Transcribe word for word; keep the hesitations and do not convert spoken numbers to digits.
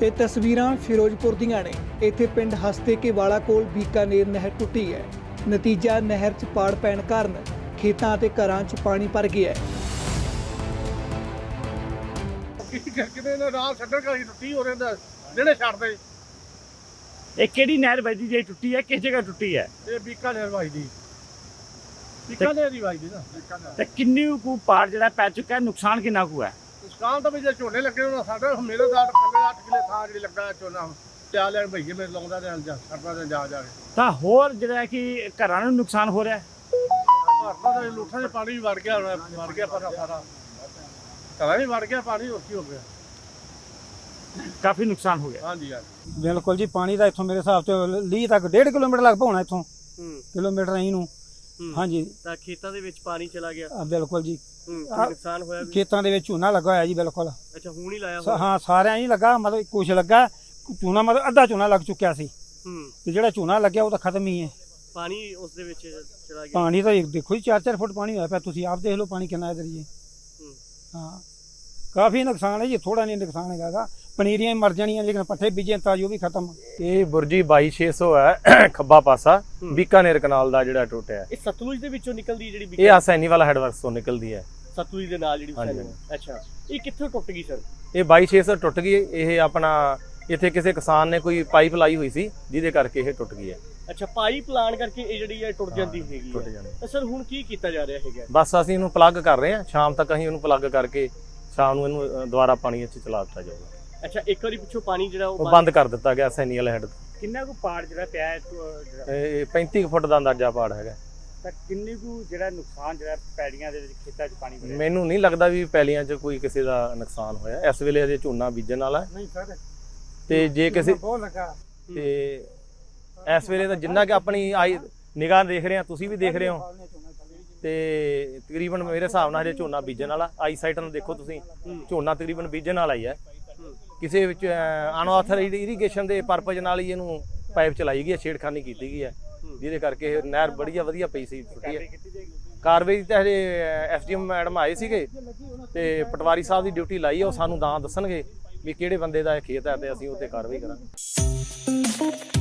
ਇਹ ਤਸਵੀਰਾਂ ਫਿਰੋਜ਼ਪੁਰ ਦੀਆਂ ਨੇ। ਇੱਥੇ ਪਿੰਡ ਹਸਤੇ ਕੇ ਵਾਲਾ ਕੋਲ ਬੀਕਾਨੇਰ ਨਹਿਰ ਟੁੱਟੀ ਹੈ। ਨਤੀਜਾ ਨਹਿਰ 'ਚ ਪਾੜ ਪੈਣ ਕਾਰਨ ਖੇਤਾਂ ਅਤੇ ਘਰਾਂ 'ਚ ਪਾਣੀ ਭਰ ਗਿਆ ਹੈ। ਕਿਤੇ ਨਾ ਰਾਹ ਛੱਡਣ ਕਰੀ ਟੁੱਟੀ ਹੋ ਰਹਿੰਦਾ ਜਿਹੜੇ ਛੱਡਦੇ। ਇਹ ਕਿਹੜੀ ਨਹਿਰ ਵੱਜਦੀ ਜਿਹੜੀ ਟੁੱਟੀ ਹੈ, ਕਿਸ ਜਗ੍ਹਾ ਟੁੱਟੀ ਹੈ? ਇਹ ਬੀਕਾਨੇਰ ਵੱਜਦੀ, ਬੀਕਾਨੇਰ ਦੀ ਵੱਜਦੀ ਨਾ। ਤੇ ਕਿੰਨੀ ਕੁ ਪਾੜ ਜਿਹੜਾ ਪੈ ਚੁੱਕਾ ਹੈ, ਨੁਕਸਾਨ ਕਿੰਨਾ ਕੁ ਹੈ? ਨੁਕਸਾਨ ਤਾਂ ਵੀ ਜੇ ਝੋਨੇ ਲੱਗੇ ਉਹਨਾਂ ਸਾਡੇ ਮੇਰੇ ਦਾ ਕੱਲੇ ਅੱਠ ਕਿਲੇ ਥਾਂ ਜਿਹੜੀ ਲੱਗਾ ਝੋਨਾ ਤਿਆ ਲੈਣ ਭਈਏ ਮੇਰੇ ਲਾਉਂਦਾ ਤੇ ਜਾ ਛੱਡਦਾ ਤੇ ਜਾ ਜਾ ਕੇ। ਤਾਂ ਹੋਰ ਜਿਹੜਾ ਕਿ ਘਰਾਂ ਨੂੰ ਨੁਕਸਾਨ ਹੋ ਰਿਹਾ ਹੈ। ਘਰ ਦਾ ਲੁੱਠਾਂ 'ਚ ਪਾਣੀ ਵੀ ਵੜ ਗਿਆ, ਵੜ ਗਿਆ ਪਰ ਸਾਰਾ ਘਰਾਂ ਵੀ ਵੜ ਗਿਆ ਪਾਣੀ। ਹੋਰ ਕੀ ਹੋ ਗਿਆ, ਕਾਫੀ ਨੁਕਸਾਨ ਹੋ ਗਿਆ। ਹਾਂਜੀ ਹਾਂਜੀ ਬਿਲਕੁਲ ਜੀ। ਪਾਣੀ ਦਾ ਇੱਥੋਂ ਮੇਰੇ ਹਿਸਾਬ ਤੋਂ ਲੀਹ ਤੱਕ ਡੇਢ ਕਿਲੋਮੀਟਰ ਲੱਗ ਪਾਉਣਾ ਇੱਥੋਂ ਕਿਲੋਮੀਟਰ ਨਹੀਂ ਨੂੰ। ਹਾਂਜੀ, ਤਾਂ ਖੇਤਾਂ ਦੇ ਵਿੱਚ ਪਾਣੀ ਚਲਾ ਗਿਆ। ਆ ਬਿਲਕੁਲ ਜੀ। ਹੂੰ, ਕੋਈ ਨੁਕਸਾਨ ਹੋਇਆ ਵੀ? ਖੇਤਾਂ ਦੇ ਵਿੱਚ ਝੋਨਾ ਲੱਗਾ ਹੋਇਆ ਜੀ। ਬਿਲਕੁਲ ਅੱਛਾ, ਹੁਣ ਹੀ ਲਾਇਆ ਸ- ਹੋਇਆ? ਹਾਂ, ਸਾਰਿਆਂ ਹੀ ਲੱਗਾ, ਮਤਲਬ ਕੁਛ ਲੱਗਾ ਝੋਨਾ, ਮਤਲਬ ਅੱਧਾ ਝੋਨਾ ਲੱਗ ਚੁੱਕਿਆ ਸੀ ਹੂੰ, ਤੇ ਜਿਹੜਾ ਝੋਨਾ ਲੱਗਿਆ ਉਹ ਤਾਂ ਖਤਮ ਹੀ ਹੈ। ਪਾਣੀ ਉਸ ਦੇ ਵਿੱਚ ਚਲਾ ਗਿਆ। ਪਾਣੀ ਤਾਂ ਇੱਕ ਦੇਖੋ ਜੀ, ਚਾਰ ਚਾਰ ਫੁੱਟ ਪਾਣੀ ਹੋਇਆ ਪਿਆ। ਤੁਸੀਂ ਆਪ ਦੇਖ ਲਓ ਪਾਣੀ ਕਿੰਨਾ ਇਧਰ ਜੀ। ਹੂੰ, ਹਾਂ, ਕਾਫੀ ਨੁਕਸਾਨ ਹੈ ਜੀ, ਥੋੜਾ ਨਹੀਂ ਨੁਕਸਾਨ ਹੈਗਾ ਗਾ। ਪਨੀਰੀਆਂ ਹੀ ਮਰ ਜਾਣੀਆਂ, ਲੇਕਿਨ ਪੱਠੇ ਬੀਜੇ ਤਾਂ ਜੋ ਵੀ ਖਤਮ। ਇਹ ਬੁਰਜੀ ਬਾਈ ਛੇ ਸੌ ਹੈ ਖੱਬਾ ਪਾਸਾ ਬੀਕਾਨੇਰ ਕਨਾਲ ਦਾ ਜਿਹੜਾ ਟੁੱਟਿਆ। ਇਹ ਸਤਲੁਜ ਦੇ ਵਿੱਚੋਂ ਨਿਕਲਦੀ ਜਿਹੜੀ ਇਹ ਆਸੈਨੀ ਵਾਲਾ ਹੈਡਵਰਕਸ ਤੋਂ ਨਿਕਲਦੀ ਹੈ। ਸਤਲੁਜ ਦੇ ਨਾਲ ਜਿਹੜੀ ਹਾਂਜੀ। ਫੈਲੀ। ਅੱਛਾ, ਇਹ ਕਿੱਥੋਂ ਟੁੱਟ ਗਈ ਸਰ? ਇਹ ਬਾਈ ਛੇ ਸੌ ਟੁੱਟ ਗਈ। ਇਹ ਆਪਣਾ ਇੱਥੇ ਕਿਸੇ ਕਿਸਾਨ ਨੇ ਕੋਈ ਪਾਈਪ ਲਾਈ ਹੋਈ ਸੀ ਜਿਹਦੇ ਕਰਕੇ ਇਹ ਟੁੱਟ ਗਈ ਹੈ। ਅੱਛਾ, ਪਾਈਪ ਲਾਣ ਕਰਕੇ ਇਹ ਜਿਹੜੀ ਹੈ ਟੁੱਟ ਜਾਂਦੀ ਹੈਗੀ ਟੁੱਟ ਹੈ। ਜਾਂਦੀ। ਤਾਂ ਸਰ ਹੁਣ ਕੀ ਕੀਤਾ ਜਾ ਰਿਹਾ ਹੈਗਾ? ਬਸ ਅਸੀਂ ਇਹਨੂੰ ਪਲੱਗ ਕਰ ਰਹੇ ਹਾਂ। ਸ਼ਾਮ ਤੱਕ ਅਸੀਂ ਇਹਨੂੰ ਪਲੱਗ ਕਰਕੇ ਸ਼ਾਮ ਨੂੰ ਇਹਨੂੰ ਅ, ਦੁਬਾਰਾ ਪਾਣੀ ਇੱਥੇ ਚਲਾ ਦਿੱਤਾ ਜਾਊਗਾ। ਅੱਛਾ, ਇੱਕ ਵਾਰੀ ਪਿੱਛੋਂ ਪਾਣੀ ਜਿਹੜਾ ਉਹ ਬੰਦ ਕਰ ਦਿੱਤਾ ਗਿਆ ਆਸੈਨੀ ਵਾਲਾ ਹੈਡ। ਕਿੰਨਾ ਕੁ ਪਾੜ ਜਿਹੜਾ ਪਿਆ ਹੈ ਤੋ- ਜਿਹੜਾ- ਇਹ ਪੈਂਤੀ ਕੁ ਫੁੱਟ ਦਾ ਅੰਦਾਜ਼ਾ ਪਾੜ ਹੈਗਾ। ਤਾਂ ਕਿੰਨੀ ਕੁ ਜਿਹੜਾ ਨੁਕਸਾਨ ਜਿਹੜਾ ਪੈੜੀਆਂ ਦੇ ਵਿੱਚ ਖੇਤਾਂ 'ਚ ਪਾਣੀ ਵੜਿਆ? ਮੈਨੂੰ ਨਹੀਂ ਲੱਗਦਾ ਵੀ ਪੈਲੀਆਂ 'ਚ ਕੋਈ ਕਿਸੇ ਦਾ ਨੁਕਸਾਨ ਹੋਇਆ। ਇਸ ਵੇਲੇ ਅਜੇ ਝੋਨਾ ਬੀਜਣ ਵਾਲਾ ਹੈ। ਨਹੀਂ ਸਰ, ਤੇ ਜੇ ਕਿਸੇ ਬਹੁਤ ਲੱਗਾ। ਤੇ ਇਸ ਵੇਲੇ ਤਾਂ ਜਿੰਨਾ ਕਿ ਆਪਣੀ ਆਈ ਨਿਗਾਹ ਦੇਖ ਰਹੇ ਆ, ਤੁਸੀਂ ਵੀ ਦੇਖ ਰਹੇ ਹੋ, ਤੇ ਤਕਰੀਬਨ ਮੇਰੇ ਹਿਸਾਬ ਨਾਲ ਹਜੇ ਝੋਨਾ ਬੀਜਣ ਵਾਲਾ। ਆਈ ਸਾਈਟ ਨੂੰ ਦੇਖੋ ਤੁਸੀਂ, ਝੋਨਾ ਤਕਰੀਬਨ ਬੀਜਣ ਵਾਲਾ ਹੀ ਹੈ। ਕਿਸੇ ਵਿੱਚ ਅਨਆਥੋਰਾਈਜ਼ਡ ਇਰੀਗੇਸ਼ਨ ਦੇ ਪਰਪਸ ਨਾਲ ਹੀ ਇਹਨੂੰ ਪਾਈਪ ਚਲਾਈ ਗਈ ਹੈ, ਛੇੜਖਾਨੀ ਕੀਤੀ ਗਈ ਹੈ, ਜਿਹਦੇ ਕਰਕੇ ਇਹ ਨਹਿਰ ਬੜੀਆ ਵਧੀਆ ਪਈ ਸੀ ਛੁੱਟੀ ਹੈ। ਕਾਰਵਾਈ ਤਾਂ ਹਜੇ ਐਸਡੀਐਮ ਮੈਡਮ ਆਏ ਸੀਗੇ ਤੇ ਪਟਵਾਰੀ ਸਾਹਿਬ ਦੀ ਡਿਊਟੀ ਲਾਈ ਹੈ। ਉਹ ਸਾਨੂੰ ਨਾਂ ਦੱਸਣਗੇ ਵੀ ਕਿਹੜੇ ਬੰਦੇ ਦਾ ਇਹ ਖੇਤ ਹੈ ਤੇ ਅਸੀਂ ਉਹ ਤੇ ਕਾਰਵਾਈ ਕਰਾਂਗੇ।